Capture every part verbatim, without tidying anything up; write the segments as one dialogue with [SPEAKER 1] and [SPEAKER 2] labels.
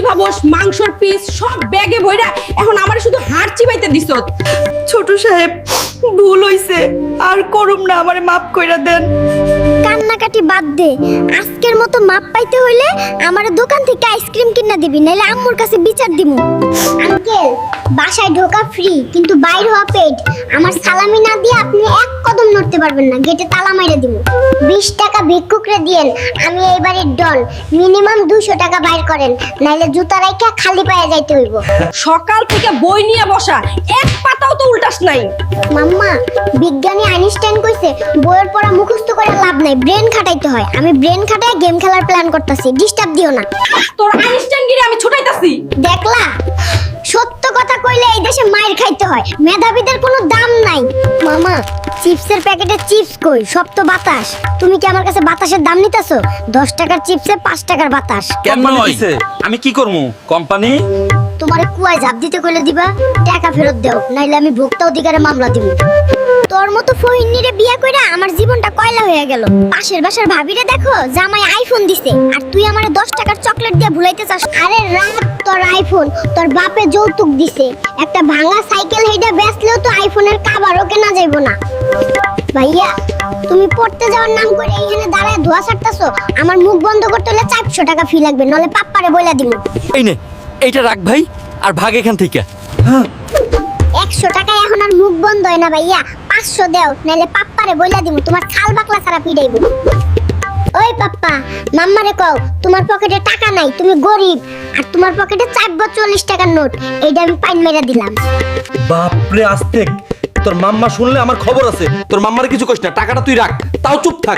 [SPEAKER 1] ভাবস মাংসর পিস সব ব্যাগে ভইরা এখন আমার শুধু হাড় চিবাইতে দিছত।
[SPEAKER 2] ছোট সাহেব ভুল হইছে, আর করুম না, আমারে মাফ কইরা দেন।
[SPEAKER 3] কান্নাকাটি বাদ দে, আজকের মতো মাপ পাইতে হইলে আমার দোকান থেকে আইসক্রিম কিনা দিবি, নাইলে আম্মুর কাছে বিচার দিমু। আঙ্কেল, বাসায় ঢোকা ফ্রি কিন্তু বাইর হওয়া পেড। আমার সালামি না দিয়ে আপনি এক কদম নড়তে পারবেন না, গেটে তালা মাইরা দিমু। বিশ টাকা ভিক্ষুকরে দিয়েন, আমি এই বাড়ির ডন। মিনিমাম দুশো টাকা বাইর করেন, নাইলে জুতা রাইখা খালি পায়ে যাইতে হইব।
[SPEAKER 1] সকাল থেকে বই নিয়ে বসা, এক পাতাও তো উল্টাস নাই।
[SPEAKER 3] মাম্মা, বিজ্ঞানী আইনস্টাইন কইছে বইয়ের পড়া মুখস্থ করে লাভ নাই, ব্রেন খাটাইতে হয়। আমি ব্রেন খাটায় গেম খেলার প্ল্যান করতেছি, ডিস্টার্ব দিও না।
[SPEAKER 1] তোর আইনস্টাইনগিরি আমি ছুটাইতাছি।
[SPEAKER 3] দেখলা, সত্য কথা কইলে এই দেশে মাইর খাইতে হয়, মেধাবীদের কোনো দাম নাই। মামা, চিপসের প্যাকেটে চিপস কই? সব তো বাতাস। তুমি কি আমার কাছে বাতাসের দাম নিতেছো? দশ টাকার চিপসে পাঁচ টাকার বাতাস।
[SPEAKER 4] কোম্পানি দিছে, আমি কি করবো? কোম্পানি
[SPEAKER 3] তোমারে কুয়ায় ঝাঁপ দিতে কইলে দিবা, টাকা ফেরত দাও, নাইলে আমি ভোক্তা অধিকারে মামলা দিব। তোর মতো ফহিনীরে বিয়া কইরা আমার জীবনটা কয়লা হয়ে গেল। পাশের বাসার ভাবিরে দেখো, জামাই আইফোন দিছে, আর তুই আমারে দশ টাকার চকলেট দিয়ে ভুলাইতে চাস। আরে রাত, তোর আইফোন তোর বাপে যৌতুক দিছে। একটা ভাঙা সাইকেল হেইডা বেচলেও তো আইফোনের কাভারও কেনা যাইব না। ভাইয়া, তুমি পড়তে যাওয়ার নাম করে এইখানে দাঁড়ায় ধোয়া ছাড়তাছো। আমার মুখ বন্ধ করতে হলে চারশো টাকা ফি লাগবে, নলে পাপ্পারে বইলা দিমু।
[SPEAKER 4] এই নে, এইটা রাখ ভাই, আর ভাগ এখান থেকে।
[SPEAKER 3] একশো টাকায় এখন আর মুখ বন্ধ হয় না ভাইয়া, পাঁচশো দেও, নাইলে পাপ্পারে বইলা দিমু, তোমার খাল বাকলা ছাড়া পিড়াইব। ওই পাপ্পা, মাম্মারে কও তোমার পকেটে টাকা নাই, তুমি গরিব, আর তোমার পকেটে চারশো চল্লিশ টাকার নোট। এইটা আমি পাইন মেরা দিলাম।
[SPEAKER 4] বাপরে আস্তেক, তোর মাম্মা শুনলে আমার খবর আছে। তোর মাম্মার কিছু কইস না, টাকাটা তুই রাখ, তাও চুপ থাক।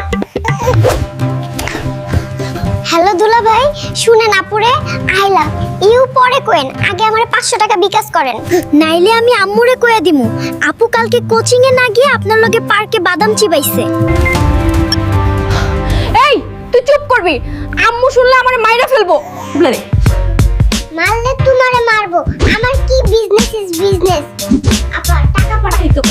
[SPEAKER 3] হ্যালো দুলা ভাই, শুনেন আপুরে আইলা ইউ পরে কোয়েন, আগে আমারে পাঁচশো টাকা বিকাশ করেন, নাইলে আমি আম্মুরে কয়ে দিমু আপু কালকে কোচিং এ না গিয়ে আপনার লগে পার্কে বাদাম চিবাইছে।
[SPEAKER 1] এই তুই চুপ করবি, আম্মু শুনলে আমারে মাইরা ফেলবো। বুঝলে
[SPEAKER 3] মারলে তোমারে মারবো, আমার কি বিজনেস ইজ বিজনেস। আপা টাকা পাঠাই তো।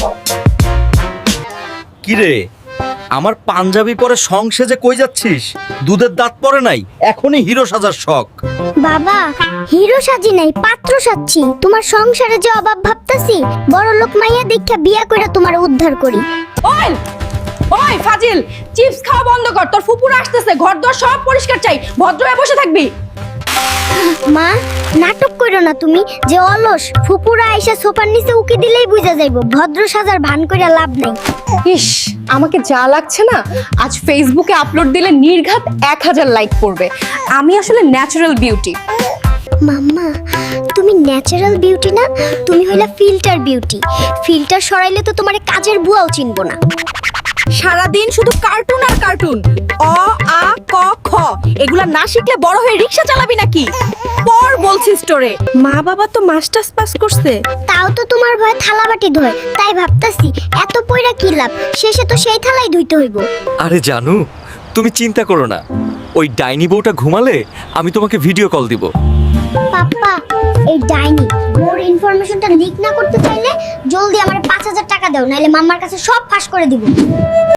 [SPEAKER 4] কি রে, আমার পাঞ্জাবি পরে সংসেজে কই যাচ্ছিস? দুধের দাঁত পরে নাই, এখনই হিরো সাজার শখ।
[SPEAKER 3] বাবা, হিরো সাজি নাই, পাত্র সাজছি। তোমার সংসারে যে অভাব ভাবতাছি, বড় লোক মাইয়া দেখা বিয়া কইরা তোমার উদ্ধার করি।
[SPEAKER 1] ওই ওই ফাজিল, চিপস খাওয়া বন্ধ কর, তোর ফুপুরা আসতেছে, ঘর দর সব পরিষ্কার চাই, ভদ্র হয়ে বসে থাকবি।
[SPEAKER 3] মা, নাটক কইরো না তুমি, যে অলস। ফুপুরা আইসা সোফার নিচে উকি দিলেই বুঝা যাইবো ভদ্র সাজার ভান কইরা লাভ নাই।
[SPEAKER 5] ইস, আমাকে যা লাগছে না, আজ ফেসবুকে আপলোড দিলে নির্ঘাত এক হাজার লাইক পড়বে। আমি আসলে ন্যাচারাল বিউটি।
[SPEAKER 3] মাম্মা, তুমি ন্যাচারাল বিউটি না, তুমি হইলা ফিল্টার বিউটি। ফিল্টার সরাইলে তো তোমারে কাজের বুয়াও চিনবো না।
[SPEAKER 1] সারাদিন শুধু কার্টুন আর কার্টুন, অ আ ক খ এগুলা না শিখলে বড় হয়ে রিকশা চালাবি নাকি? পর বলছি স্টোরে, মা বাবা তো মাস্টার্স পাস করছে।
[SPEAKER 3] তাও তো তোমার ভয় থালা বাটি ধোয়, তাই ভাবতাছি এত পয়রা কি লাভ, শেষে তো সেই থালাই ধুইতে হইব।
[SPEAKER 4] আরে জানু, তুমি চিন্তা করো না, ওই ডাইনি বউটা ঘুমালে আমি তোমাকে ভিডিও কল দিব।
[SPEAKER 3] পাপ্পা, এই ডাইনি ওর ইনফরমেশনটা লিক না করতে চাইলে জলদি আমার পাঁচ হাজার টাকা দাও, নাইলে মাম্মার কাছে সব ফাঁস করে দিব।